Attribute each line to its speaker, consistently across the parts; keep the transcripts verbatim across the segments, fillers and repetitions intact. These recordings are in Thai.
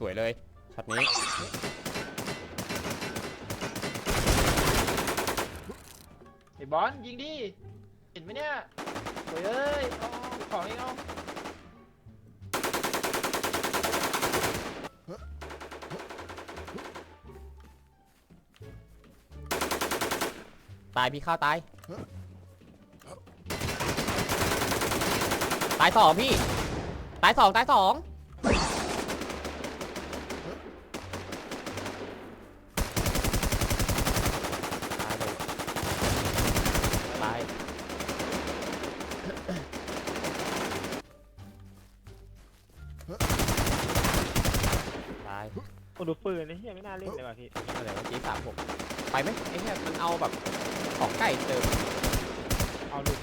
Speaker 1: วยเลยช็อตนี้
Speaker 2: ไอ้บอลยิงดิเห็นไหมเนี่ยโอ้ยเอ้ยเอาของอีกเอา
Speaker 1: ตายพี่ข้าวตายตายสองพี่ตายสองตายสองตายตาย
Speaker 3: โอ้ดูปืนนี่เฮียไม่น่าเล่นเลยว่ะพี่
Speaker 1: อะไรวะจีสามหกไปไหมไอ้เนี่ยมันเอาแบบของไก่เติม
Speaker 3: เอาลูก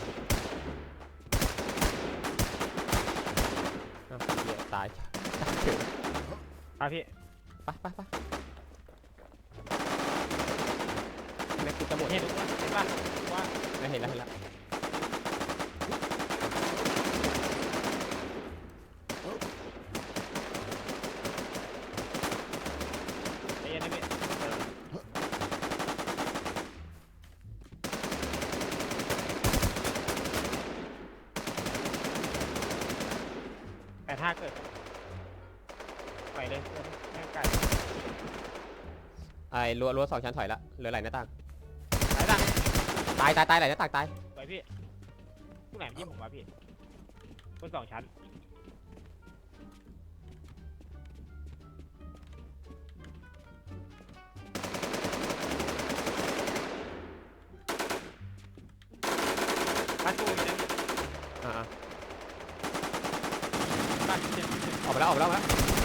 Speaker 1: เหี้ยตาย
Speaker 3: ไปพี่
Speaker 1: ไปไปไปแม็กกูจะหมด
Speaker 3: เห็นเห็นป่ะว่า
Speaker 1: ไม่เห็นแล้วเห็นแล้ว
Speaker 3: ไอ้ยันนี่แต่ถ้าเกิดไปเลยแม่งไก่
Speaker 1: ไอ้รั้วรั้วสองชั้นถอยละเหลือไหลหน้าต่าง
Speaker 3: ไหนล่ะ
Speaker 1: ตายตายตายไหลหน้าต่างตาย
Speaker 3: ไปพี่ผู้ไหนยิ้มผมวะพี่บนสองชั้นบ้านตู้นี่นะ
Speaker 1: อ่า
Speaker 3: บ้านที่เจ็ด
Speaker 1: ออกไปแล้วออกไปแล้ว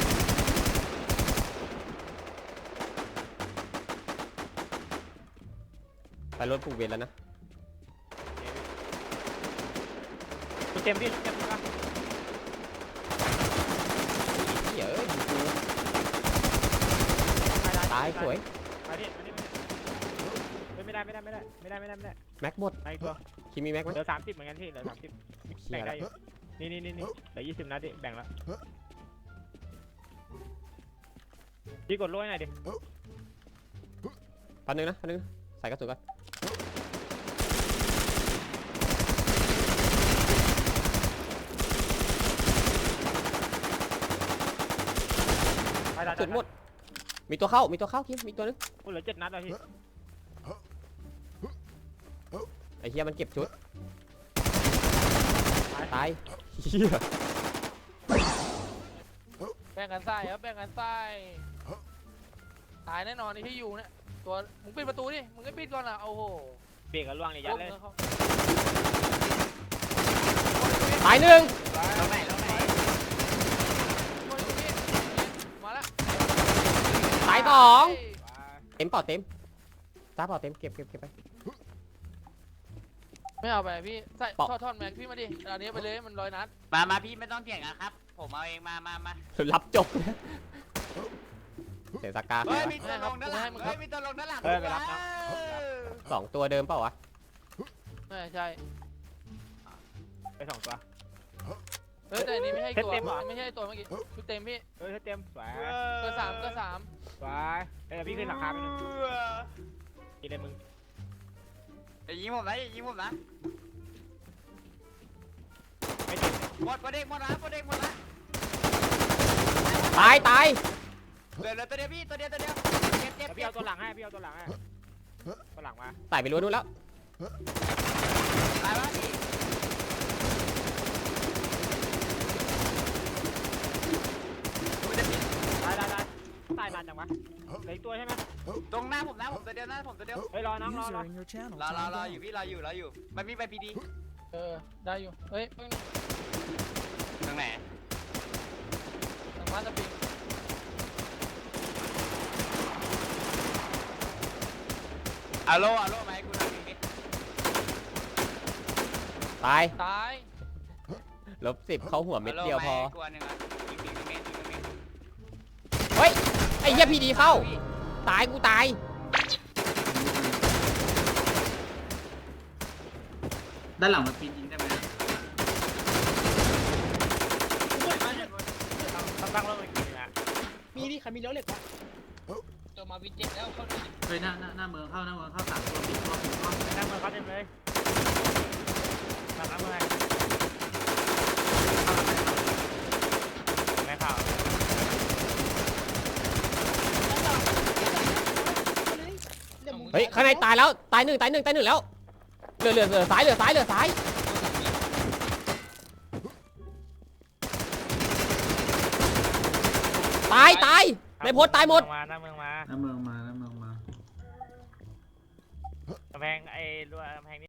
Speaker 1: ไปรถผูกเวรแล้วนะ
Speaker 3: เต็มพี่เต็มป่ะ
Speaker 1: เฮ้ยตายสวย
Speaker 3: มาดิมาดิไม่ได้ไม่ได้ไม่ได้ไม่ได้ไม่ได้ไม่ได้
Speaker 1: แม็กหมด
Speaker 3: ไอ้ตัว
Speaker 1: คิมีแม็กไหม
Speaker 3: เหลือสามสิบเหมือนกันพี่เหลือสามสิบแบ่งได้อยู่นี่นี่นี่นี่เหลือยี่สิบนัดดิแบ่งแล้วพี่กดโล่หน่อยดิ
Speaker 1: พันหนึ่งนะพันหนึ่งใส่กระสุนก่อนจุดหมดมีตัวเข้ามีตัวเข้าคิมมีตัวนึง
Speaker 3: กูเหลือเจ็ดนัดแล้วพี่
Speaker 1: ไอ้เฮียมันเก็บชุดตายเฮีย
Speaker 2: แบ่งกันไส้ครับแบ่งกันไส้ตายแน่นอนนี่ที่อยู่เนี่ยตัวมึงปิดประตูดิมึงก็ปิดก่อนอ่ะโอ้โห
Speaker 3: เบรกกับล่วงเลยยัดเลย
Speaker 1: ตายหนึ่ง
Speaker 3: แล้วไหนแล้วไหน
Speaker 2: มาละ
Speaker 1: ตายสองเต็มปอดเต็มตาปอดเต็มเก็บเก็บเก็บไป
Speaker 2: ไม่เอาไปพี่ใส่ทอดทอดแม็กพี่มาดิอันนี้ไปเลยมันร้อยนัด
Speaker 4: มามาพี่ไม่ต้องเถียงกันครับผมเอาเองมามามา
Speaker 1: รับจบเสียสกา
Speaker 4: เฮ้ยมีตัวลงด้านหลังเฮ้ยมีตัวลงด้านหลัง
Speaker 3: เฮ้ยไปรับนะ
Speaker 1: สองตัวเดิมเปล่าวะ
Speaker 2: ไม่ใช่
Speaker 3: ไปสองตัว
Speaker 2: เฮ้ยแต่อันนี้ไม่ใช่ตัวไม่ใช่ตัวเมื่อกี้ชุดเต็มพี่
Speaker 3: เฮ้ยเต็มสวย
Speaker 2: เบอร์สามเบอร์สาม
Speaker 3: สวยเฮ้ยพี่ขึ้นหลังคาไปหนึ่งกินเลยมึง
Speaker 4: อย่ายิงผมนะอย่ายิงผมนะ
Speaker 3: ไม่ติด
Speaker 4: หมดประเด็กหมดละประเด็กหมดละ
Speaker 1: ตายตาย
Speaker 4: เหลือเหลือตัวเดียวพี่ตัวเดียวตัวเดียวเจ็บเจ็บ
Speaker 3: พี่เอาตัวหลังให้พี่เอาตัวหลังให้ตัวหลังมา
Speaker 1: ใส่ไปรู้นู่นแล้ว
Speaker 4: ตายวะพี่
Speaker 3: ตายตายตายตายนานจังวะเหลืออีกตัวใช่ไหม
Speaker 4: ตรงหน้าผมนะผมตัวเดียวนะผมตัวเดียว
Speaker 3: เฮ้ยรอน้องรอรอ
Speaker 4: รอรอรออยู่พี่รออยู่รออยู่มันมีใบพีดี
Speaker 2: เออได้อยู่เฮ้ย
Speaker 4: ตรงไหน
Speaker 2: ทางบ้านจะปิด
Speaker 4: อะโลอะโลไหมคุณทำยังไง
Speaker 1: ตาย
Speaker 2: ตาย
Speaker 1: ลบสิบเขาหัวเม็ดเดียวพอ
Speaker 4: เฮ้ย
Speaker 1: ไอ้เหี้ยพีดีเข้าตายกูตาย
Speaker 4: ด้านหลังมันปีนยิงได้ไหม
Speaker 3: ตั้งตั้งแล้วมันกินนะ
Speaker 1: มี
Speaker 5: นี่นี่ใครมีเลี้ยวเหล็กวะ
Speaker 6: เจอมาวินเจ็ดแล้วเข้าดิ
Speaker 4: เฮ้ยหน้าหน้าหน้าเมืองเข้าหน้าเมืองเข้าสามตัวสิบตัวสิบตัว
Speaker 3: ไปนั่งมือเขาเต็มเลยนั่งมือให้ไม่เข่า
Speaker 1: เฮ้ยข้างในตายแล้วตายหนึ่งตายหนึ่งตายหนึ่งแล้วเหลือเหลือเหลือซ้ายเหลือซ้ายเหลือซ้ายตายตายในโพสตายหมด
Speaker 3: มานั่งมือมา
Speaker 4: หน้าเมืองมาหน้าเมืองมา
Speaker 3: กำแพงไอ้รั้วกำแพง